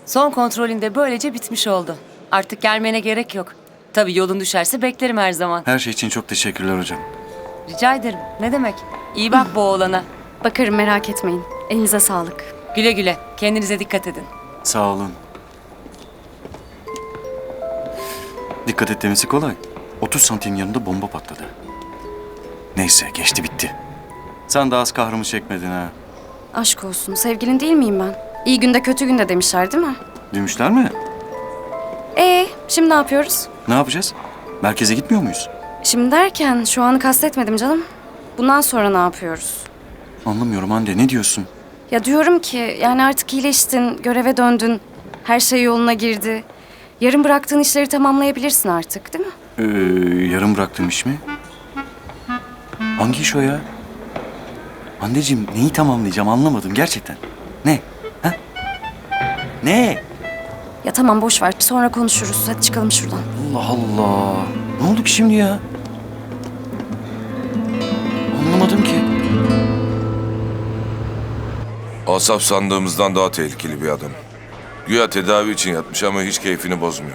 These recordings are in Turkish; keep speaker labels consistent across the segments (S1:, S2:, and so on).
S1: Son kontrolünde böylece bitmiş oldu. Artık gelmene gerek yok. Tabii yolun düşerse beklerim her zaman.
S2: Her şey için çok teşekkürler hocam.
S1: Rica ederim. Ne demek? İyi bak bu oğlana.
S3: Bakarım, merak etmeyin. Elinize sağlık.
S1: Güle güle. Kendinize dikkat edin.
S2: Sağ olun. Dikkat et demesi kolay. 30 santim yanında bomba patladı. Neyse geçti bitti. Sen de az kahrımı çekmedin ha.
S3: Aşk olsun. Sevgilin değil miyim ben? İyi günde kötü günde demişler değil mi?
S2: Demişler mi?
S3: Şimdi ne yapıyoruz?
S2: Ne yapacağız? Merkeze gitmiyor muyuz?
S3: Şimdi derken şu anı kastetmedim canım. Bundan sonra ne yapıyoruz?
S2: Anlamıyorum Hande, ne diyorsun?
S3: Ya diyorum ki yani artık iyileştin, göreve döndün. Her şey yoluna girdi. Yarın bıraktığın işleri tamamlayabilirsin artık değil mi?
S2: Yarım bıraktığım iş mi? Hangi iş o ya? Handeciğim neyi tamamlayacağım anlamadım gerçekten. Ne? Ha? Ne?
S3: Ya tamam boş ver. Sonra konuşuruz. Hadi çıkalım şuradan.
S2: Allah Allah. Ne oldu ki şimdi ya? Anlamadım ki.
S4: Asaf sandığımızdan daha tehlikeli bir adam. Güya tedavi için yatmış ama hiç keyfini bozmuyor.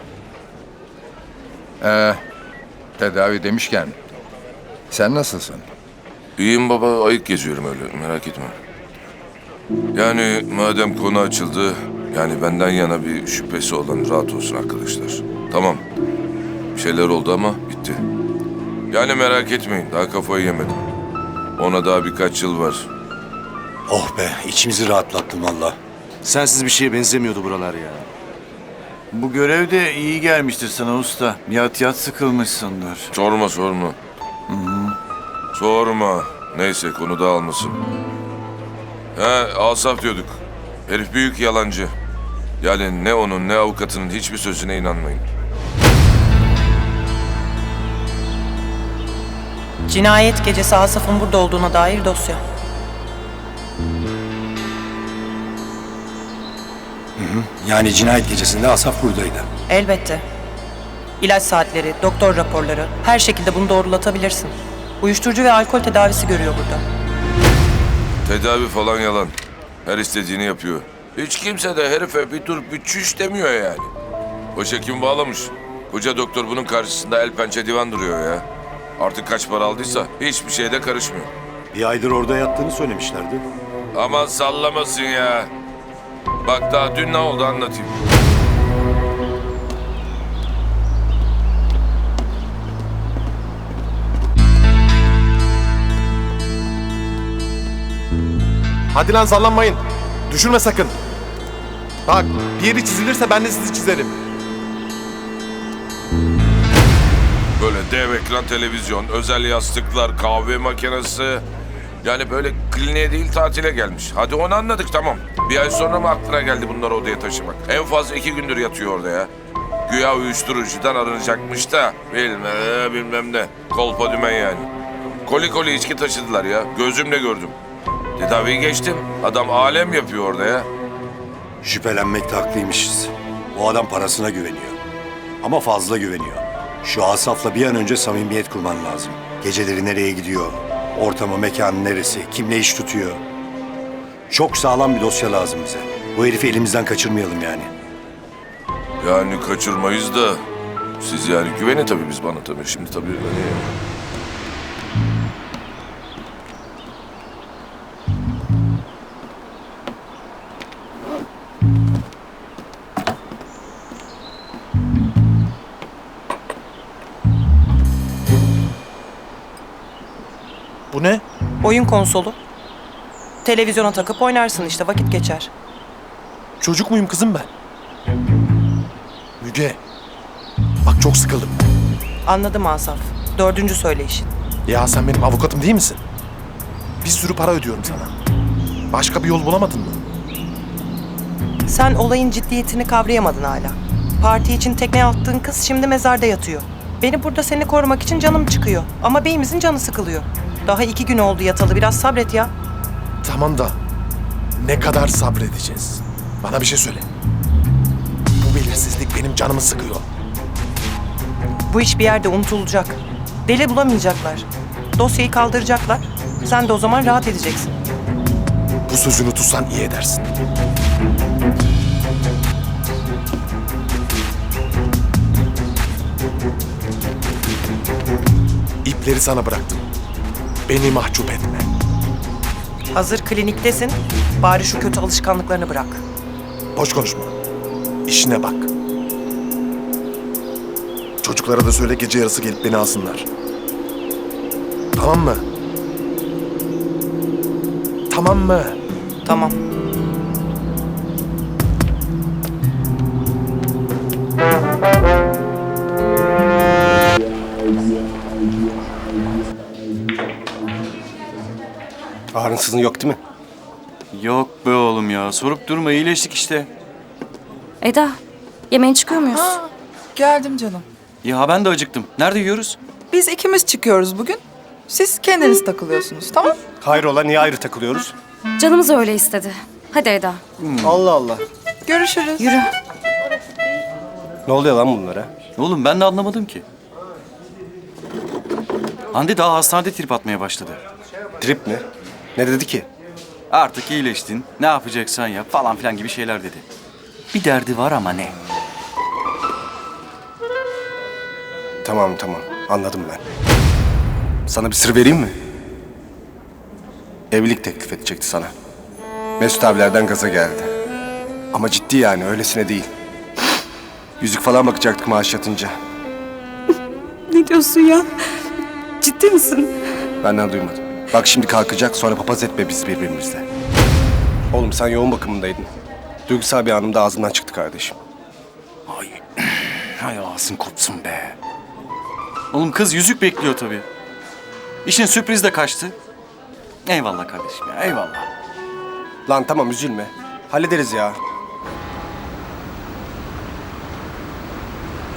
S5: Tedavi demişken sen nasılsın?
S4: İyiyim baba, ayık geziyorum öyle, merak etme. Yani madem konu açıldı, yani benden yana bir şüphesi olan rahat olsun arkadaşlar. Tamam, bir şeyler oldu ama bitti. Yani merak etmeyin, daha kafayı yemedim. Ona daha birkaç yıl var.
S6: Oh be, içimizi rahatlattın valla. Sensiz bir şeye benzemiyordu buralar ya.
S7: Bu görev de iyi gelmiştir sana usta. Yat yat sıkılmışsındır.
S4: Sorma. Sorma. Neyse, konu dağılmasın. Asaf diyorduk. Herif büyük yalancı. Yani ne onun ne avukatının hiçbir sözüne inanmayın.
S8: Cinayet gecesi Asaf'ın burada olduğuna dair dosya.
S6: Yani cinayet gecesinde Asaf buradaydı.
S8: Elbette. İlaç saatleri, doktor raporları, her şekilde bunu doğrulatabilirsin. Uyuşturucu ve alkol tedavisi görüyor burada.
S4: Tedavi falan yalan. Her istediğini yapıyor. Hiç kimse de herife bir dur bir çüş demiyor yani. Başa kim bağlamış? Koca doktor bunun karşısında el pençe divan duruyor ya. Artık kaç para aldıysa hiçbir şeyde karışmıyor.
S6: Bir aydır orada yattığını söylemişlerdi.
S4: Aman sallamasın ya. Bak daha dün ne oldu anlatayım.
S9: Hadi lan sallanmayın. Düşürme sakın. Bak bir yeri çizilirse ben de sizi çizerim.
S4: Böyle dev ekran televizyon, özel yastıklar, kahve makinesi. Yani böyle kliniğe değil tatile gelmiş. Hadi onu anladık tamam. Bir ay sonra mı aklına geldi bunları odaya taşımak? En fazla 2 gündür yatıyor orada ya. Güya uyuşturucudan arınacakmış da bilmem ne. Kolpa dümen yani. Koli koli içki taşıdılar ya. Gözümle gördüm. Tedaviyi geçtim. Adam alem yapıyor orada ya.
S6: Şüphelenmekte haklıymışız. O adam parasına güveniyor. Ama fazla güveniyor. Şu Asaf'la bir an önce samimiyet kurman lazım. Geceleri nereye gidiyor? Ortamı, mekanı neresi? Kimle iş tutuyor? Çok sağlam bir dosya lazım bize. Bu herifi elimizden kaçırmayalım yani.
S4: Yani kaçırmayız da. Siz yani güvenin tabii biz bana tabii. Şimdi tabii öyle ya.
S9: Bu ne?
S8: Oyun konsolu. Televizyona takıp oynarsın işte, vakit geçer.
S9: Çocuk muyum kızım ben? Müge. Bak çok sıkıldım.
S8: Anladım Asaf. 4. söyleyişin.
S9: Ya sen benim avukatım değil misin? Bir sürü para ödüyorum sana. Başka bir yol bulamadın mı?
S8: Sen olayın ciddiyetini kavrayamadın hala. Parti için tekneye attığın kız şimdi mezarda yatıyor. Beni burada seni korumak için canım çıkıyor. Ama beyimizin canı sıkılıyor. Daha 2 gün oldu yatalı, biraz sabret ya.
S9: Tamam da ne kadar sabredeceğiz? Bana bir şey söyle. Bu belirsizlik benim canımı sıkıyor.
S8: Bu iş bir yerde unutulacak. Deli bulamayacaklar. Dosyayı kaldıracaklar. Sen de o zaman rahat edeceksin.
S9: Bu sözünü tutsan iyi edersin. işleri sana bıraktım. Beni mahcup etme.
S8: Hazır kliniktesin. Bari şu kötü alışkanlıklarını bırak.
S9: Boş konuşma. İşine bak. Çocuklara da söyle gece yarısı gelip beni alsınlar. Tamam mı? Tamam mı?
S8: Tamam.
S6: Ağrınsızın yok değil mi?
S2: Yok be oğlum ya. Sorup durma, iyileştik işte.
S3: Eda, yemeğe çıkıyor muyuz?
S10: Geldim canım.
S2: Ya ben de acıktım. Nerede yiyoruz?
S10: Biz ikimiz çıkıyoruz bugün. Siz kendiniz takılıyorsunuz, tamam?
S6: Hayrola niye ayrı takılıyoruz?
S3: Canımız öyle istedi. Hadi Eda,
S6: Allah Allah.
S10: Görüşürüz.
S3: yürü.
S6: Ne oluyor lan bunlara?
S2: Oğlum ben de anlamadım ki. Hande daha hastanede trip atmaya başladı.
S6: Trip mi? Ne dedi ki?
S2: Artık iyileştin, ne yapacaksan yap falan filan gibi şeyler dedi. Bir derdi var ama ne?
S6: Tamam anladım ben. Sana bir sır vereyim mi? Evlilik teklif edecekti sana. Mesut abilerden gaza geldi. Ama ciddi yani öylesine değil. Yüzük falan bakacaktık maaş yatınca.
S3: Ne diyorsun ya? Ciddi misin?
S6: Benden duymadım. Bak şimdi kalkacak sonra papaz etme biz birbirimizle. Oğlum sen yoğun bakımındaydın. Duygusal bir anımda ağzımdan çıktı kardeşim.
S2: Hay ağzın kopsun be. Oğlum kız yüzük bekliyor tabii. İşin sürpriz de kaçtı. Eyvallah kardeşim ya, eyvallah.
S6: Lan tamam üzülme. Hallederiz ya.